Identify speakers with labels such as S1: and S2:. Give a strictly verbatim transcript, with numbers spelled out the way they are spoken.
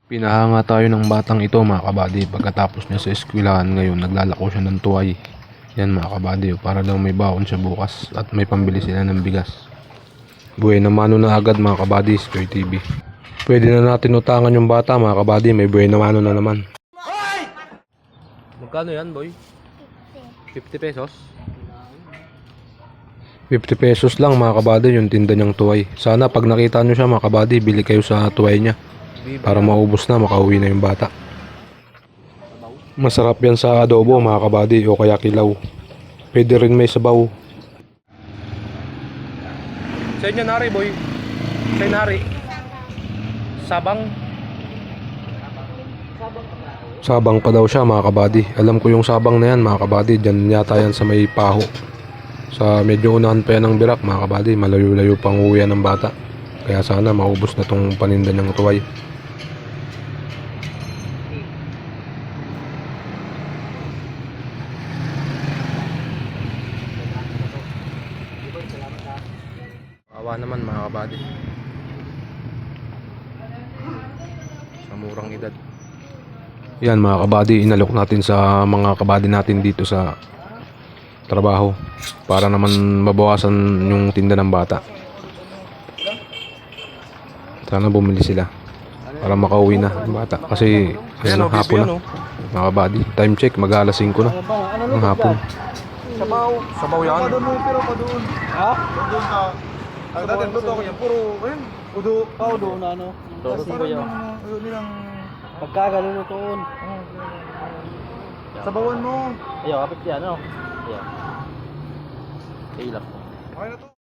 S1: Pinahanga tayo ng batang ito mga kabady. Pagkatapos niya sa eskwelahan ngayon, naglalako siya ng tuway. Yan mga kabady, para daw may baon siya bukas at may pambili sila ng bigas. Buhay na mano na agad mga kabady, Square T V. Pwede na natin utangan yung bata mga kabady, may buhay na mano na naman. Magkano yan boy? fifty pesos? fifty pesos lang mga kabady yung tinda niyang tuway. Sana pag nakita nyo siya mga kabady, bili kayo sa tuway niya. Para maubos na, makauwi na yung bata. Masarap yan sa adobo mga kabady o kaya kilaw. Pwede rin may sabaw. Sa inyo nari boy. Sa inyo nari. Sabang. Sabang pa daw siya mga kabady. Alam ko yung sabang na yan mga kabady. Diyan yata yan sa may paho. Sa medyo unahan pa yan ng birak mga kabady. Malayo-layo pang uwi ng bata. Kaya sana maubos na tong paninda niyang tuway. Awa naman mga kabady. Sa murang edad. Yan mga kabady, inalok natin sa mga kabady natin dito sa trabaho. Para naman mabawasan yung tinda ng bata. Sana bumili sila. Para makauwi na ang bata. Kasi ayan, hapon na mga kabady. Time check, mag-alas singko na ng hapon.
S2: Sabaw.
S1: Sabaw yan.
S2: Pa doon mo, pero pa doon. Ha? Doon ka. Ang dati luto ko yan, puro, ayun, udo.
S3: Ah, udo na ano.
S2: Kasi
S3: Kasi ba yun?
S2: Ayun nilang,
S3: Pagkagalulutoon.
S2: sabawan mo.
S3: Ayaw, kapit yan, ano? Ayaw. Ilap.
S2: Okay na to.